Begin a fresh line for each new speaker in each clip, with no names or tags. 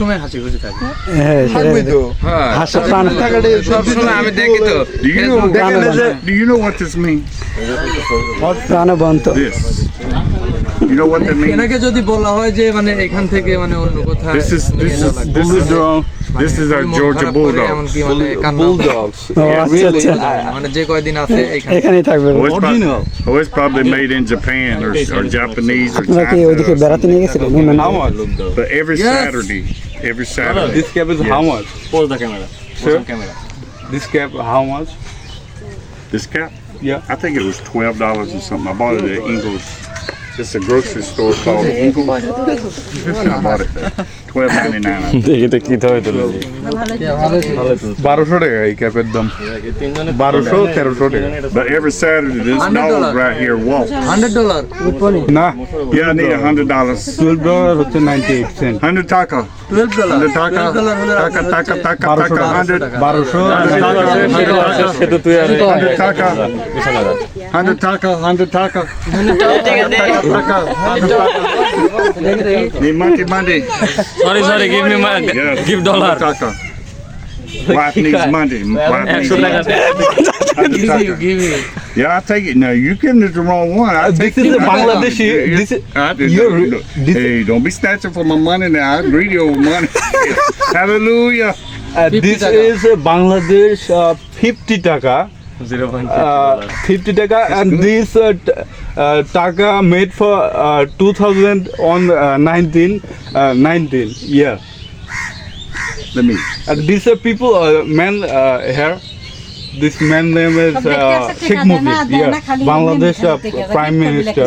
সময় হাসি খুশি থাকে।
হ্যাঁ
থাকবে তো।
হাসি প্রাণ
সব সময় আমি দেখি তো
Do you know what this means?
প্রাণবন্ত
This. You know what that means?
এনাকে যদি বলা হয় যে মানে এখান থেকে মানে অন্য কোথাও
This is our Georgia Bulldog.
Bulldogs.
ও আচ্ছা আচ্ছা
মানে যে কয়দিন আছে এখানে
এখানেই থাকবে
It's probably made in Japan or Japanese or
আপনারা কি ওইদিকে
Thai.
বেড়াতে নিয়ে গেছিলেন
How much?
But every
Yes.
Saturday.
This cap is how much?
Pause the camera.
Sir?
Pause the camera.
This cap how much?
This cap?
Yeah.
I think it was $12 or something. I bought it at Ingles. It's a grocery store called Ingles. I bought it there. $12.99.
দেখি তো কি ধরে তুলে
1200 টাকা এই ক্যাপের দাম 1200-1300 টাকা
But every Saturday, this dog right here walks.
$100
না
Yeah, I need $100.
$12 হচ্ছে 98 সেন্ট
100 taka.
$12
Taka. Taka. 100.
1200
সেটা তুই আর
100 taka. 100 taka. 100 taka. Need money.
Sorry give me
Yes.
Give dollar
100 taka. Wife needs money. Wife needs
100 টাকা
money. 100 taka. Yeah, I take it. No, you giving it the wrong one. I take
This is
it.
a Bangladeshi. This is
Hey, don't be snatching for my money now. I'm greedy over money. Hallelujah.
this is Bangladesh 50 টাকা 50 টাকা and this taka made for 2019 year
Let me.
and these people man here this man name is Sheikh Mujib Bangladesh Prime Minister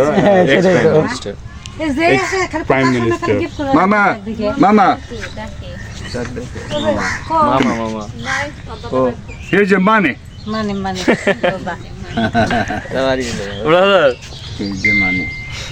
Prime Minister
Mama.
মামা
Here's your money.
Money.
Brother
Here's your money.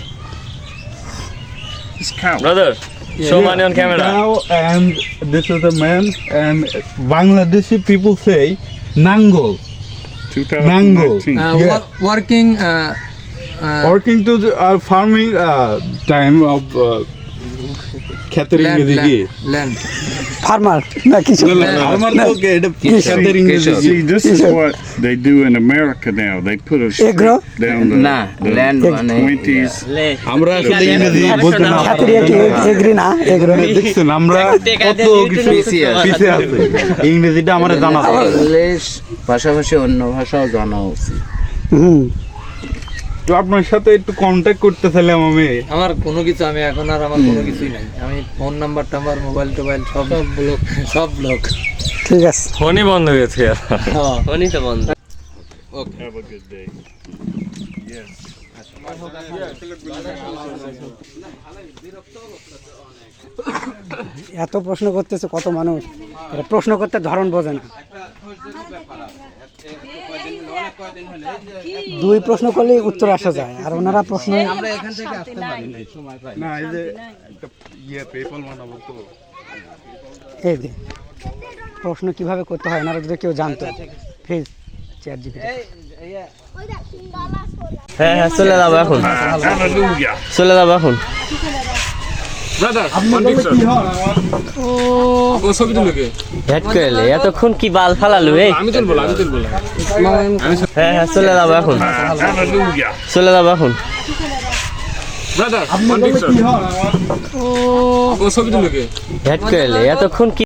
Just count.
Brother show money on camera
now and this is the man and Bangladeshi people say Nangol
2019.
Yeah.
working
working to the farming time of ক্ষেতের ইংরেজি কি
land
farmer না কিছু
আমার তো এটা ক্ষেতের ইংরেজি
See, this is what they do in America now. They put a strip
Agro?
down the,
land
the 20s.
আমরা আসলে ইংরেজি বলতে না
খাতিরিয়া কি এগ্রি না এগ্রো
দেখছেন আমরা কত কিছু পিছিয়ে আছে ইংরেজিটা আমার জানা আছে
ইংলিশ পাশাপাশি অন্য ভাষাও জানা উচিত।
হুম
তো আপনার সাথে একটু কন্ট্যাক্ট করতে চাইলাম আমি
আমার কোনো কিছু আমি এখন আর আমার কোনো কিছুই নাই আমি ফোন নাম্বার টাম্বার মোবাইল টোবাইল সব ব্লক
ঠিক আছে
ফোনই বন্ধ হয়ে গেছে
ফোনই তো বন্ধ
Have a good day.
এত প্রশ্ন করতেছে কত মানুষ এটা প্রশ্ন করতে ধরন বোঝে না দুই প্রশ্ন করলেই উত্তর আসা যায় আর ওনারা প্রশ্ন
আমরা এখান থেকে আসতে পারি না সময় পাই
না এই যে একটা পেপাল বানাবো তো
এই যে প্রশ্ন কিভাবে করতে হয় ওনারা যদি কেউ জানতো প্লিজ চ্যাট জিপিটি
হ্যাঁ চলে যাবো এখন
Hallelujah.
চলে যাবো এখন
ও ছবি তুলে কে
হেড করলে এতক্ষণ কি বাল ফালালু এই
আমি তুলবো
হ্যাঁ চলে যাবো এখন
Hallelujah.
চলে যাবো এখন
ও ছবি তুলে কে
হেড করলে এতক্ষণ কি